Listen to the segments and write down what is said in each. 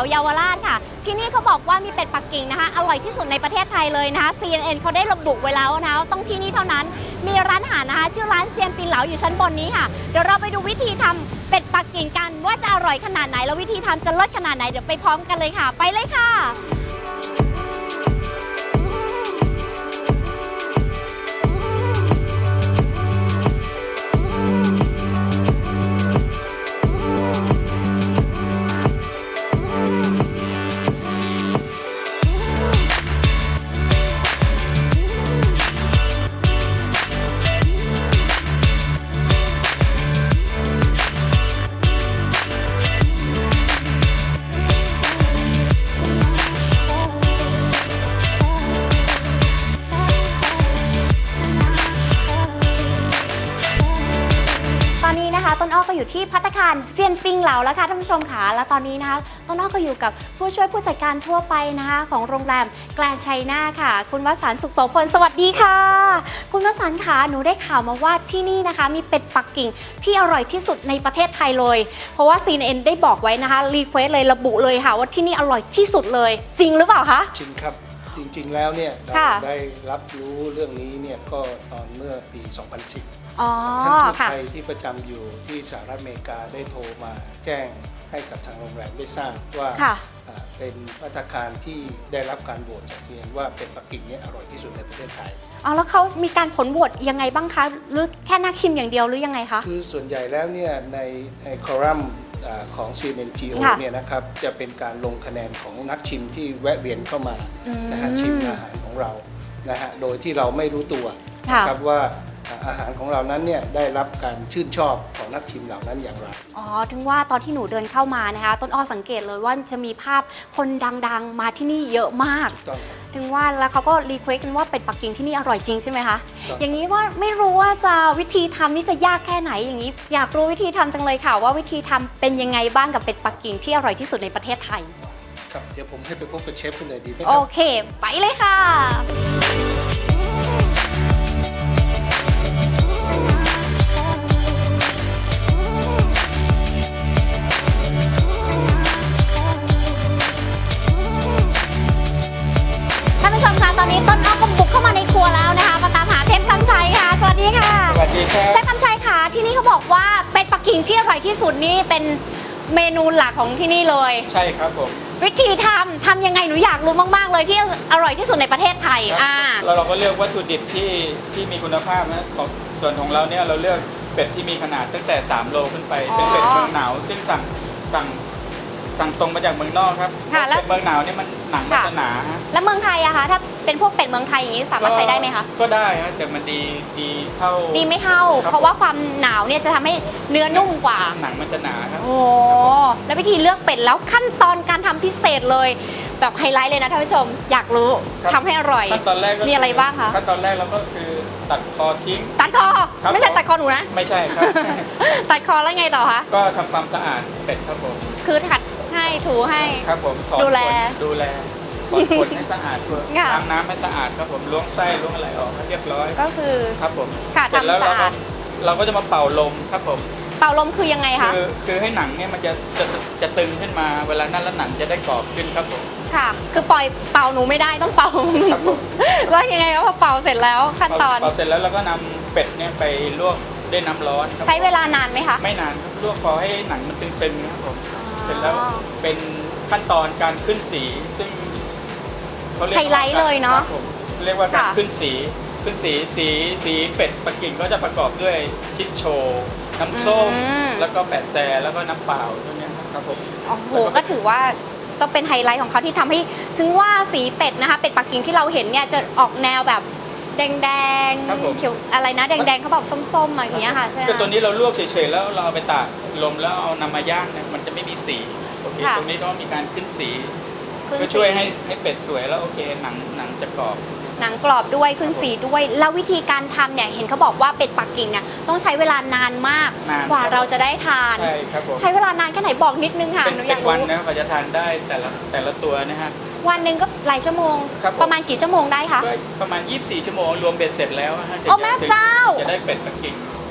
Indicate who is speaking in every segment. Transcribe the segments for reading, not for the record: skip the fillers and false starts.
Speaker 1: เยาวราชค่ะที่นี่เขาบอกว่ามีเป็ดปักกิ่งนะคะอร่อยที่สุดในประเทศไทยเลยนะคะ CNN เขาได้ระบุไว้แล้วนะต้องที่นี่เท่านั้นมีร้านอาหารนะคะชื่อร้านเซียนปิงเหลาอยู่ชั้นบนนี้ค่ะเดี๋ยวเราไปดูวิธีทำเป็ดปักกิ่งกันว่าจะอร่อยขนาดไหนแล้ววิธีทำจะเลิศขนาดไหนเดี๋ยวไปพร้อมกันเลยค่ะไปเลยค่ะต้นอ้อก็อยู่ที่ภัตตาคารเซียนปิงเหลาแล้วค่ะท่านผู้ชมค่ะและตอนนี้นะคะต้นอ้อก็อยู่กับผู้ช่วยผู้จัดการทั่วไปนะคะของโรงแรมแกรนด์ไชน่าค่ะคุณวสันต์สุขโสพลสวัสดีค่ะคุณวสันต์ค่ะหนูได้ข่าวมาว่าที่นี่นะคะมีเป็ดปักกิ่งที่อร่อยที่สุดในประเทศไทยเลยเพราะว่า CNN ได้บอกไว้นะคะรีเควสเลยระบุเลยค่ะว่าที่นี่อร่อยที่สุดเลยจริงหรือเปล่าคะ
Speaker 2: จริงครับจริงๆแล้วเนี่ยเราได้รับรู้เรื่องนี้เนี่ยก็ตอนเมื่อปี 2010ท่านทูตไทยที่ประจำอยู่ที่สหรัฐอเมริกาได้โทรมาแจ้งให้กับทางโรงแรมได้ทราบว่าเป็นภัตตาคารที่ได้รับการโหวตจากเซียนว่าเป็ดปักกิ่งเนี่ยอร่อยที่สุดในประเทศไทย
Speaker 1: แล้วเขามีการผลโหวตยังไงบ้างคะหรือแค่นักชิมอย่างเดียวหรือยังไงคะ
Speaker 2: คือส่วนใหญ่แล้วเนี่ยในคอลัมน์ของ CNNGO เนี่ยนะครับจะเป็นการลงคะแนนของนักชิมที่แวะเวียนเข้ามานะฮะชิมอาหารของเรานะฮะโดยที่เราไม่รู้ตัวนะครับว่าอาหารของเรานั้นเนี่ยได้รับการชื่นชอบของนักชิมเหล่านั้นอย่างไร
Speaker 1: ถึงว่าตอนที่หนูเดินเข้ามานะคะต้นอ้อสังเกตเลยว่าจะมีภาพคนดังๆมาที่นี่เยอะมากถึงว่าแล้วเขาก็รีเควสกันว่าเป็ดปักกิ่งที่นี่อร่อยจริงใช่ไหมคะอย่างนี้ว่าไม่รู้ว่าจะวิธีทำนี่จะยากแค่ไหนอย่างนี้อยากรู้วิธีทำจังเลยค่ะว่าวิธีทำเป็นยังไงบ้างกับเป็ดปักกิ่งที่อร่อยที่สุดในประเทศไทย
Speaker 2: ครับเดี๋ยวผมให้ไปพบกับเชฟกันเลยดีไหมครับ
Speaker 1: โอเคไปเลยค่ะตอนนี้ต้นอ้อก็บุกเข้ามาในครัวแล้วนะคะมาตามหาเชฟคำชัยค่ะสวัสดีค่ะ
Speaker 2: สวัสดีครับ
Speaker 1: เชฟคำชัยค่ะที่นี่เขาบอกว่าเป็ดปักกิ่งที่อร่อยที่สุดนี่เป็นเมนูหลักของที่นี่เลย
Speaker 2: ใช่ครับผม
Speaker 1: วิธีทำยังไงหนูอยากรู้มากๆเลยที่อร่อยที่สุดในประเทศไทย
Speaker 3: เราก็เลือกวัตถุดิบที่มีคุณภาพนะส่วนของเราเนี่ยเราเลือกเป็ดที่มีขนาดตั้งแต่3โลขึ้นไปเป็นเป็ดเมืองหนาวซึ่งสั่งตรงมาจากเมืองนอกครับเป็ดเมืองหนาวเนี่ยมันหนังมันจะหนา
Speaker 1: แล้วเมืองไทยอะคะถ้าเป็นพวกเป็ดเมืองไทยอย่างนี้สามารถใช้ได้ไหมคะ
Speaker 3: ก็ได้ฮะแต่มันดีเท่า
Speaker 1: ดีไม่เท่าเพราะว่าความหนาวเนี่ยจะทำให้เนื้อนุ่มกว่า
Speaker 3: หนังมันจะหนาครับ
Speaker 1: โอ้แล้ววิธีเลือกเป็ดแล้วขั้นตอนการทำพิเศษเลยแบบไฮไลท์เลยนะท่านผู้ชมอยากรู้ทำให้อร่อย
Speaker 3: ขั้นตอนแรก
Speaker 1: มีอะไรบ้างคะ
Speaker 3: ขั้นตอนแรกเราก็คือตัดคอทิ้ง
Speaker 1: ตัดคอไม่ใช่ตัดคอหนูนะ
Speaker 3: ไม่ใช่ครับ
Speaker 1: ตัดคอแล้วไงต่อคะ
Speaker 3: ก็ทำความสะอาดเป็ดครับผม
Speaker 1: คือถัดให้ถูให้
Speaker 3: ครับผม
Speaker 1: ดูแล
Speaker 3: ขนให้สะอาดล้างน้ำให้สะอาดครับผมล้วงไส้ล้วงอะไรออกให้เรียบร้อย
Speaker 1: ก็คือ
Speaker 3: ครับผม
Speaker 1: ค่ะทำสะอาด
Speaker 3: เราก็จะมาเป่าลมครับผม
Speaker 1: เป่าลมคือยังไงคะ
Speaker 3: คือให้หนังเนี่ยมันจะตึงขึ้นมาเวลานั้นแล้วหนังจะได้กรอบขึ้นครับผม
Speaker 1: ค่ะคือปล่อยเป่าหนูไม่ได้ต้องเป่าแล้วยังไงพอเป่าเสร็จแล้วขั้นตอน
Speaker 3: เป่าเสร็จแล้วเราก็นำเป็ดเนี่ยไปลวกด้วยน้ำร้อน
Speaker 1: ใช้เวลานานไหมคะ
Speaker 3: ไม่นานครับลวกพอให้หนังมันตึงๆครับผมเสร็จแล้วเป็นขั้นตอนการขึ้นสีซึ่ง
Speaker 1: เขาเรียกไฮไลท์เลยเนาะ
Speaker 3: เรียกว่าการขึ้นสีเป็ดปักกิ่งก็จะประกอบด้วยชิดโชน้ำส้มแล้วก็แปะแซแล้วก็น้ำเปล่าพวกนี้ครับผม
Speaker 1: โอ้โหก็ถือว่าต้องเป็นไฮไลท์ของเขาที่ทำให้ถึงว่าสีเป็ดนะคะเป็ดปักกิ่งที่เราเห็นเนี่ยจะออกแนวแบบแดงเขียวอะไรนะแดงเขาบอกส้มๆอย่างเงี้ยค่ะใช่ไหม
Speaker 3: คือตัวนี้เราลวกเฉยๆแล้วเราเอาไปตากลมแล้วเอานำมาย่างเนี่ยมันจะไม่มีสีโอเคตรงนี้ต้องมีการขึ้นสีก็ช่วยให้เป็ดสวยแล้วโอเคหนังจะกรอบ
Speaker 1: หนังกรอบด้วยขึ้นสีด้วยแล้ววิธีการทำเนี่ยเห็นเขาบอกว่าเป็ดปักกิ่งเนี่ยต้องใช้เวลานานมากกว่าเราจะได้ทาน
Speaker 3: ใช่ครับผม
Speaker 1: ใช้เวลานานแค่ไหนบอกนิดนึงค่ะ
Speaker 3: หนูอยากรู้วันนะเขาจะทานได้แต่ละตัวนะฮะ
Speaker 1: วันหนึ่งก็หลายชั่วโมงประมาณกี่ชั่วโมงได้คะ
Speaker 3: ประมาณ24 ชั่วโมงรวมเบ็ดเสร็จแล้ว
Speaker 1: โอ้แม่เจ้า
Speaker 3: จะได้เป็ดปักกิ่ง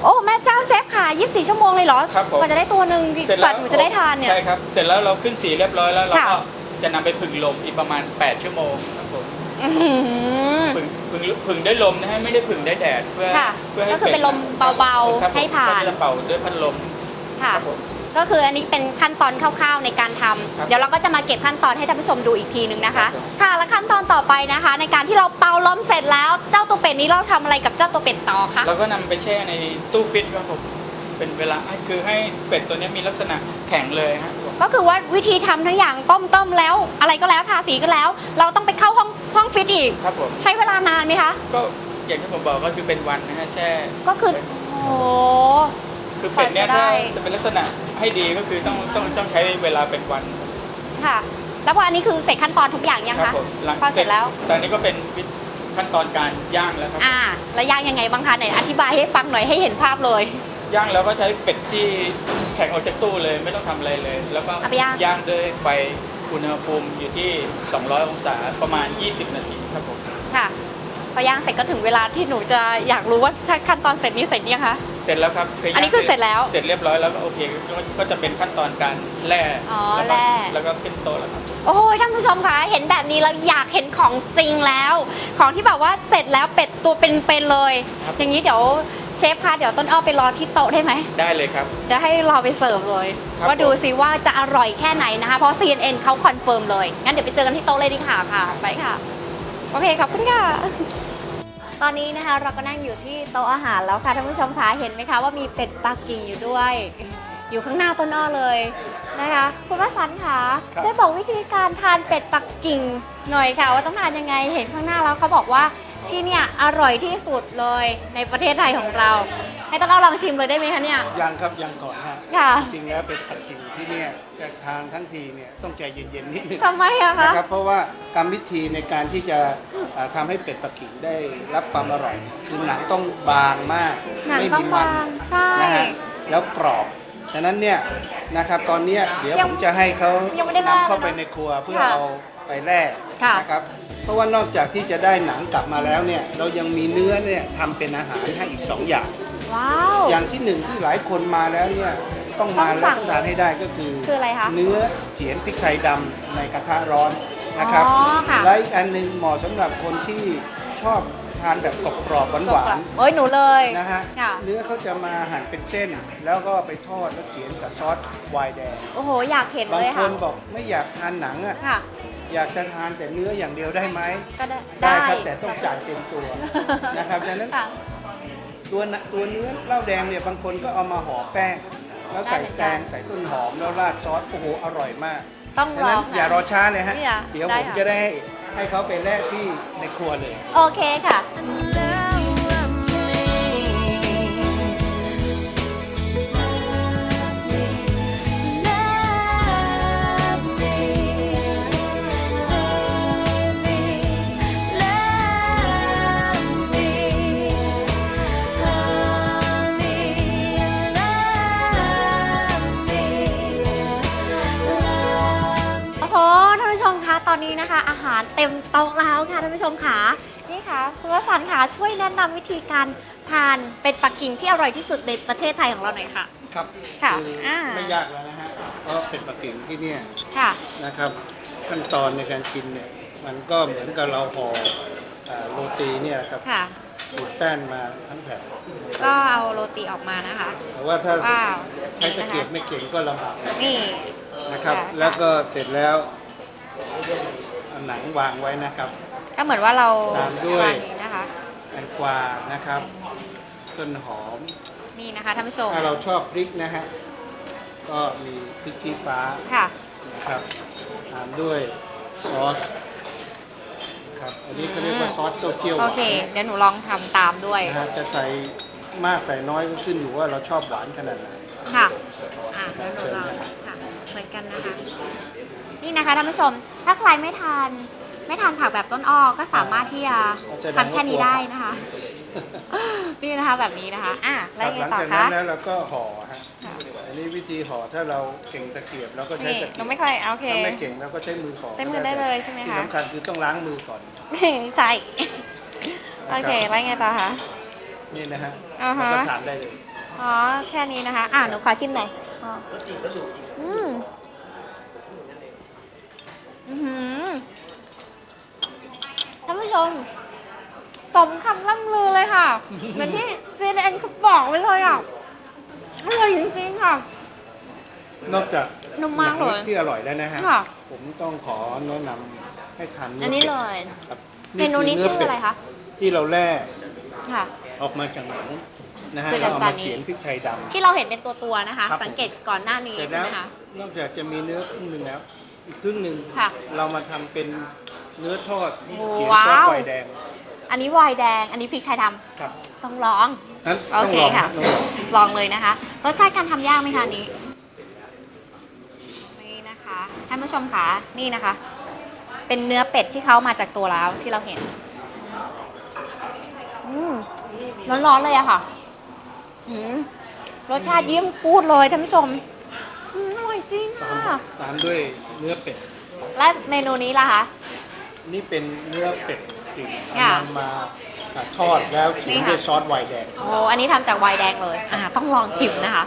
Speaker 1: โอ้แม่เจ้าเชฟค่ะ24 ชั่วโมงเลยเหรอ
Speaker 3: ครับผม
Speaker 1: กว่าจะได้ตัวหนึ่ง
Speaker 3: เสร็จ
Speaker 1: ก
Speaker 3: แล้
Speaker 1: ว่าว หนูจะได้ทานเนี่ย
Speaker 3: ใช่ครับ เสร็จแล้วเราขึ้นสีเรียบร้อยแล้วเรา
Speaker 1: ค่ะ
Speaker 3: ก็จะนำไปผึ่งลมอีกประมาณ 8 ชั่วโมงครับผม
Speaker 1: อื้อหือ
Speaker 3: ผึ่งด้วยลมนะฮะไม่ได้ผึ่งด้วยแดดเพื่อ
Speaker 1: ค่ะ
Speaker 3: เพื่อให้
Speaker 1: ก็คือเป็นลมเบาๆ
Speaker 3: ครับผม
Speaker 1: ให้ผ่าน
Speaker 3: ก็จะเป่าด้วยพัดลม
Speaker 1: ค่ะ
Speaker 3: ครับผม
Speaker 1: ก็คืออันนี้เป็นขั้นตอนคร่าวๆในการทำ
Speaker 3: ครับ
Speaker 1: เดี๋ยวเราก็จะมาเก็บขั้นตอนให้ท่านผู้ชมดูอีกทีนึงนะคะ
Speaker 3: ครับ
Speaker 1: ค่ะและขั้นตอนต่อไปนะคะ ในการที่เราเป่าลมเสร็จแล้ว เจ้าตัวเป็ดนี้เราทำอะไรกับเจ้าตัวเป็ดต่อคะ
Speaker 3: เราก็นำไปแช่ในตู้ฟิตครับผมเป็นเวลาคือให้เป็ดตัวนี้มีลักษณะแข็งเลยฮะ
Speaker 1: ก็คือว่าวิธีทำทั้งอย่างต้มแล้ว อะไรก็แล้วทาสีก็แล้ว เราต้องไปเข้าห้องฟิตอีก
Speaker 3: ครับผม
Speaker 1: ใช้เวลานานไหมคะ
Speaker 3: ก็อย่างที่ผมบอกก็คือเป็นวันนะฮะแช่
Speaker 1: ก็คือโอ้โห
Speaker 3: คือเป็ดเนี่ย
Speaker 1: กว่าจะได้
Speaker 3: ถ้าจะเป็นลักษณะให้ดีก็คือต้องใช้เวลาเป็นวัน
Speaker 1: ค่ะ แล้วพออันนี้คือเสร็จขั้นตอนทุกอย่างยัง
Speaker 3: ครั
Speaker 1: คะ
Speaker 3: ผมหลัง
Speaker 1: พอเสร็จแล้ว
Speaker 3: ตอนนี้ก็เป็นขั้นตอนการย่างแล้วครับ
Speaker 1: แล้วย่างยังไงบ้างคะไหนอธิบายให้ฟังหน่อยให้เห็นภาพเลย
Speaker 3: ย่างแล้วก็ใช้เป็ดที่แข็งออกจากตู้เลยไม่ต้องทำอะไรเลย แล้วก็
Speaker 1: เอาไปย่าง
Speaker 3: ย่างด้วยไฟอุณหภูมิอยู่ที่ 200 องศาประมาณ 20 นาทีครับผม
Speaker 1: ค่ะ พอย่างเสร็จก็ถึงเวลาที่หนูจะอยากรู้ว่าถ้าขั้นตอนเสร็จนี้เสร็จยังคะ
Speaker 3: เสร็จแล้วครับ
Speaker 1: อันนี้คือเสร็จแล้ว
Speaker 3: เสร็จเรียบร้อยแล้วก็โอเคก็จะเป็นขั้นตอนการแล่
Speaker 1: อ๋อ
Speaker 3: ล้วก็
Speaker 1: แล่
Speaker 3: แล้วก็ขึ้นโต๊ะแล้วครับ
Speaker 1: โอ้ยท่านผู้ชมคะเห็นแบบนี้แล้วอยากเห็นของจริงแล้ว ของที่แบบว่าเสร็จแล้วเป็ดตัวเป็นๆเลย
Speaker 3: ครับ
Speaker 1: อย่างนี้เดี๋ยวเชฟคะเดี๋ยวต้นอ้อไปรอที่โต๊ะได้ไหม
Speaker 3: ได้เลยครับ
Speaker 1: จะให้รอไปเสิร์ฟเลย
Speaker 3: ครับ
Speaker 1: ว่าดูซิว่าจะอร่อยแค่ไหนนะคะ เพราะ CNN เขาคอนเฟิร์มเลย งั้นเดี๋ยวไปเจอกันที่โต๊ะเลยดีค่ะไปค่ะ โอเคขอบคุณค่ะ ตอนนี้นะคะเราก็นั่งอยู่ที่โต๊ะอาหารแล้วค่ะท่านผู้ชมคะเห็นไหมคะว่ามีเป็ดปักกิ่งอยู่ด้วย อยู่ข้างหน้าต้นอ้อเลยนะคะคุณวสันต์ค่ะ
Speaker 2: ครับ
Speaker 1: ช่วยบอกวิธีการทานเป็ดปักกิ่งหน่อยค่ะ ว่าต้องทานยังไงเห็นข้างหน้าแล้วเขาบอกว่าที่เนี่ยอร่อยที่สุดเลยในประเทศไทยของเรา ให้ต้นอ้อลองชิมเลยได้ไหมคะเนี่ย
Speaker 2: ยังครับยังก่อนฮะ
Speaker 1: ค่ะ
Speaker 2: จริงๆแล้วเป็นปักกิ่งที่เนี่ยจะทานทั้งทีเนี่ยต้องใจเย็นๆนิดนึง
Speaker 1: ทำไมอะคะ
Speaker 2: นะครับเพราะว่ากรรมวิธีในการที่จะทำให้เป็ดปักกิ่งได้รับความอร่อย คือหนังต้องบางมาก
Speaker 1: หนัง
Speaker 2: ไม่
Speaker 1: ต้อง
Speaker 2: มีมัน
Speaker 1: บางใช่
Speaker 2: นะฮะแล้วกรอบฉะนั้นเนี่ยนะครับตอนเนี้ยเดี๋ยว
Speaker 1: ยัง
Speaker 2: ผมจะให้เขา
Speaker 1: ยังไม่ได้แล่
Speaker 2: นำเข้าไป
Speaker 1: นะ
Speaker 2: ในครัวเพื่อ
Speaker 1: ค่ะ
Speaker 2: เอาไปแล่
Speaker 1: ค่ะ
Speaker 2: นะครับเพราะว่านอกจากที่จะได้หนังกลับมาแล้วเนี่ยเรายังมีเนื้อเนี่ยทำเป็นอาหารให้อีก 2 อย่าง
Speaker 1: ว้าว
Speaker 2: อย่างที่หนึ่งที่หลายคนมาแล้วเนี่ยต้องมา
Speaker 1: ต้อง
Speaker 2: แล้
Speaker 1: สั่
Speaker 2: ว
Speaker 1: ง
Speaker 2: ต้องทานให้ได้ก็คือ
Speaker 1: คืออะไรคะ
Speaker 2: เนื้อเจียนพริกไทยดำในกระทะร้อนนะครับ
Speaker 1: อ๋อค่ะ
Speaker 2: และอีกอันหนึงเหมาะสำหรับคนที่ชอบทานแบบกรอบๆหวาน
Speaker 1: โอ้ยหนูเลย
Speaker 2: ๆนะฮะ
Speaker 1: ค่ะ
Speaker 2: เนื้อเขาจะมาหั่นเป็นเส้น แล้วก็ไปทอดแล้วเจียนกับซอสไวน์แดง
Speaker 1: โอ้โหอยากเห็น
Speaker 2: บา
Speaker 1: เล
Speaker 2: ง
Speaker 1: ย
Speaker 2: ค
Speaker 1: ค่ะ
Speaker 2: นบอกไม่อยากทานหนังอ่ะ
Speaker 1: ค่ะ
Speaker 2: อยากจะทานแต่เนื้ออย่างเดียวได้ไหม
Speaker 1: ก็ได้
Speaker 2: ได้ครับแต่ต้องจ่ายเต็มตัวนะครับดังนั้น
Speaker 1: ค่ะ
Speaker 2: ตัวเนื้อเหล้าแดงเนี่ยบางคนก็เอามาห่อแป้ง แล้วใส่
Speaker 1: ได้เหมือน
Speaker 2: แต
Speaker 1: กัน
Speaker 2: งใส่ต้นหอมแล้วราดซอสโอ้โหอร่อยมาก
Speaker 1: ต้อง
Speaker 2: ดัง
Speaker 1: ล
Speaker 2: นั้
Speaker 1: อน ง
Speaker 2: อย่ารอช้าเลยฮะ
Speaker 1: นี่อะ
Speaker 2: เดี๋ยว
Speaker 1: ได้
Speaker 2: ผม
Speaker 1: ค่ะ
Speaker 2: จะได้ให้เขาไปแลกที่ในครัวเลย
Speaker 1: โอเคค่ะ โอ้โหท่านผู้ชมคะตอนนี้นะคะ อาหารเต็มโต๊ะแล้วค่ะท่านผู้ชมค่ะนี่ค่ะคุณวสันต์ค่ะช่วยแนะนำวิธีการทานเป็ดปักกิ่งที่อร่อยที่สุดในประเทศไทยของเราหน่อยค่ะ
Speaker 2: ครับ
Speaker 1: ค่ะ
Speaker 2: อไม่ยากแล้วนะฮะเพราะเป็นปักกิ่งที่เนี่ย
Speaker 1: ค่ะ
Speaker 2: นะครับขั้นตอนในการกินเนี่ยมันก็เหมือนกับเราห่อโรตีเนี่ยครับ
Speaker 1: ค่ะ
Speaker 2: ขูดแป้นมาทั้งแผ่น
Speaker 1: ก็เอาโรตีออกมานะคะ
Speaker 2: แต่ว่าถ้า
Speaker 1: ว้าว
Speaker 2: ใช้ตะเกียบไม่เก่งก็ลำบาก
Speaker 1: นี่
Speaker 2: นะครับ
Speaker 1: ค่ะ
Speaker 2: แล้วก็เสร็จแล้วเอาหนังวางไว้นะครับ
Speaker 1: ก็เหมือนว่าเรา
Speaker 2: ตามด้วย
Speaker 1: วางอย่างนี้นะคะ
Speaker 2: แตงกวานะครับ ต้นหอม
Speaker 1: นี่นะคะท่านผู้ชม
Speaker 2: ถ้าเราชอบพริกนะฮะก็มีพริกชี้ฟ้า
Speaker 1: ค่ะ
Speaker 2: นะครับตามด้วยซอสนะครับอันนี้เขาเรียกว่าซอสเต้าเจี้ยวหาน
Speaker 1: โอเค เดี๋ยวหนูลองทำตามด้วย
Speaker 2: นะฮะจะใส่มากใส่น้อยก็ขึ้นอยู่ว่าเราชอบหวานขนาดไหน
Speaker 1: ค่ะเดี๋ยวหนูลองค่ะเหมือนกันนะคะ นี่นะคะท่านผู้ชม ถ้าใครไม่ทานผักแบบต้นอ้อก็สามารถที่จะทำแค่นี้ได้นะคะ นี่นะคะแบบนี้นะคะแล้
Speaker 2: คว รับ
Speaker 1: ยัง
Speaker 2: ห
Speaker 1: ไง
Speaker 2: ลัง
Speaker 1: ต่อ
Speaker 2: จาก
Speaker 1: คะ
Speaker 2: นั้นแล้วเราก็ห่อฮะ
Speaker 1: ค่ะ
Speaker 2: อันนี้วิธีห่อถ้าเราเก่งตะเกียบเราก็ใช้
Speaker 1: นี่
Speaker 2: ตะ
Speaker 1: ห
Speaker 2: เกี
Speaker 1: นู
Speaker 2: ยบ
Speaker 1: ไม่ค่อยโอเค
Speaker 2: ถ้าไม่เก่งเราก็ใช้มือห่อ
Speaker 1: ใช้มือได้เลยใช่ไหมคะ
Speaker 2: ที่สำคัญคือต้องล้างมือก่อน
Speaker 1: ใช่โอเคแล้วยังไงต่อคะ
Speaker 2: นี่นะฮะ
Speaker 1: อ่าฮะ
Speaker 2: แล้วก็ทานได้เลย
Speaker 1: อ๋อแค่นี้นะคะหนูขอชิมหน่อยอ๋ออืมอื้อหือท่านผู้ชมสมคำล่ำลือเลยค่ะ เหมือนที่ CNN เขาบอกไว้เลยอ่ะอร่อยจริงๆค่ะ
Speaker 2: นอกจาก
Speaker 1: นุ่มมากเลย
Speaker 2: ที่อร่อยแล้วนะฮะ
Speaker 1: ค่ะ
Speaker 2: ผมต้องขอแนะนำให้ทาน
Speaker 1: อันนี้เลย
Speaker 2: ครับ
Speaker 1: เมนูนี้ชื่ออะไรคะ
Speaker 2: ที่เราแล่
Speaker 1: ค่ะ
Speaker 2: ออกมาจากหนังนะฮะ
Speaker 1: คือ
Speaker 2: เราเอา
Speaker 1: จา
Speaker 2: มาน
Speaker 1: นี้
Speaker 2: เขียนพริกไทยดำ
Speaker 1: ที่เราเห็นเป็นตัวๆนะคะ
Speaker 2: ครับ
Speaker 1: สังเกตก่อนหน้านี้
Speaker 2: เสร็จ
Speaker 1: ใช่
Speaker 2: แล้ว
Speaker 1: ไหมคะ
Speaker 2: นอกจากจะมีเนื้อครึ่งหนึ่งแล้ว อีกครึ่งหนึ่ง
Speaker 1: ค่ะ
Speaker 2: เรามาทำเป็นเนื้อทอด
Speaker 1: โอ้
Speaker 2: เขียน
Speaker 1: ว้าว
Speaker 2: ซอสไวน์แดง
Speaker 1: อันนี้ไวน์แดง อันนี้พริกไทยด
Speaker 2: ครับ
Speaker 1: ำต้องลอง
Speaker 2: นั้น
Speaker 1: โอ
Speaker 2: ต้อง
Speaker 1: เค
Speaker 2: ลอง
Speaker 1: ค่ะ
Speaker 2: นะต้องลอง
Speaker 1: ลองเลยนะคะ รสชาติการทำยากไหมคะอันนี้ นี่นะคะท่านผู้ชมคะนี่นะคะ เป็นเนื้อเป็ดที่เขามาจากตัวแล้วที่เราเห็นร้อนๆเลยอะค่ะรสชาติเยี่ยมกูดเลยท่านผู้ชมอร่อยจริงค่ะ
Speaker 2: ตามด้วยเนื้อเป็ด
Speaker 1: และเมนูนี้ล่ะคะ
Speaker 2: นี่เป็นเนื้อเป็ดติ่ง
Speaker 1: ค่ะ
Speaker 2: เอามาทอดแล้วเขียน
Speaker 1: นี่ค่ะ
Speaker 2: ด้วยซอสไวน์แดง
Speaker 1: โอ้อันนี้ทำจากไวน์แดงเลยต้องลองชิมนะคะ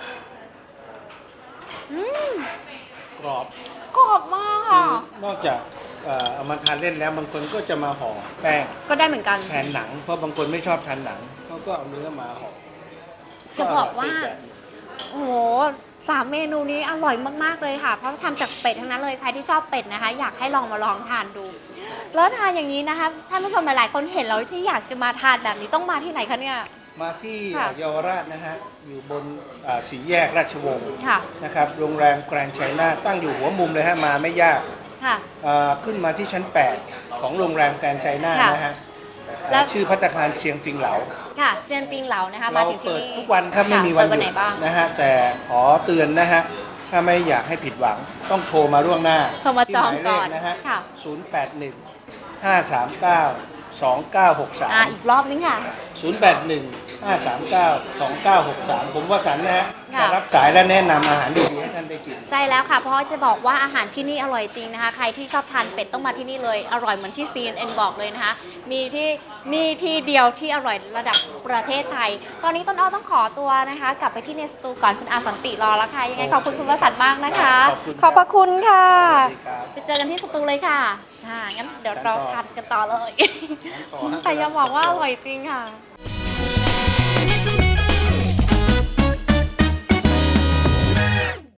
Speaker 2: กรอบ
Speaker 1: กรอบมากค่ะ
Speaker 2: นอกจากเอามาทานเล่นแล้วบางคนก็จะมาห่อแป้ง
Speaker 1: ก็ได้เหมือนกัน
Speaker 2: แทนหนัง เพราะบางคนไม่ชอบทานหนังเขาก็เอาเนื้อมาห่อ
Speaker 1: จะบอกว่า
Speaker 2: ร่ยไปแบบ
Speaker 1: โอ้โห3 เมนูนี้อร่อยมากๆเลยค่ะ เพราะทำจากเป็ดทั้งนั้นเลย ใครที่ชอบเป็ดนะคะ อยากให้ลองมาลองทานดู แล้วทานอย่างนี้นะคะ ท่านผู้ชมหลายๆ คนเห็นแล้วที่อยากจะมาทานแบบนี้ต้องมาที่ไหนคะเนี่ย
Speaker 2: มาที่
Speaker 1: ค่ะ
Speaker 2: เยาวราชนะฮะ อยู่บนสี่แยกราชวงศ์
Speaker 1: ค่ะ
Speaker 2: นะครับ โรงแรมแกรนด์ไชน่าตั้งอยู่หัวมุมเลยฮะ มาไม่ยาก
Speaker 1: ค่ะ
Speaker 2: ขึ้นมาที่ชั้น 8 ของโรงแรมแกรนด์ไชน่า
Speaker 1: ค่ะ
Speaker 2: นะฮะ
Speaker 1: แล้ว
Speaker 2: ชื่อภัตตาคารเซียงปิงเหลา
Speaker 1: ค่ะเซียนปิงเหลานะคะ มา
Speaker 2: เรา
Speaker 1: ถึงที่
Speaker 2: เปิด
Speaker 1: นี่
Speaker 2: ทุกวันครับ ไม่มี
Speaker 1: ค่ะ
Speaker 2: วัน
Speaker 1: เปิด
Speaker 2: ห
Speaker 1: ไห
Speaker 2: ยุ
Speaker 1: น
Speaker 2: ด
Speaker 1: บ้าง
Speaker 2: นะฮะ แต่ขอเตือนนะฮะ ถ้าไม่อยากให้ผิดหวังต้องโทรมาล่วงหน้า
Speaker 1: โทรมาจอง
Speaker 2: ที่หมายเล
Speaker 1: ก่อ
Speaker 2: ข
Speaker 1: น
Speaker 2: นะฮะ
Speaker 1: ค่ะ
Speaker 2: 081 539 2963
Speaker 1: อีกรอบนึงค่ะ
Speaker 2: 081 539 2963 ผมวสันต์นะฮะ
Speaker 1: ค่ะ
Speaker 2: จะรับสายและแนะนำอาหารดีๆให้ท่านได้กิน
Speaker 1: ใช่แล้วค่ะ เพราะจะบอกว่าอาหารที่นี่อร่อยจริงนะคะ ใครที่ชอบทานเป็ดต้องมาที่นี่เลย อร่อยเหมือนที่ CNN บอกเลยนะคะ มีที่เดียวที่อร่อยระดับประเทศไทย ตอนนี้ต้นอ้อต้องขอตัวนะคะ กลับไปที่ในสตูก่อนคุณอาสันติรอแล้วค่ะ ยังไงขอบคุณคุณวสันต์มากนะคะ
Speaker 2: ขอบคุณครับ
Speaker 1: ขอบพระคุณค่ะ
Speaker 2: สวัสดีครับ
Speaker 1: ไปเจอกันที่สตูเลยค่ะงั้นเดี๋ยวเราทานกันต่อเลย
Speaker 2: ต่อฮะ
Speaker 1: แต่อย่าบอกว่าอร่อยจริงค่ะ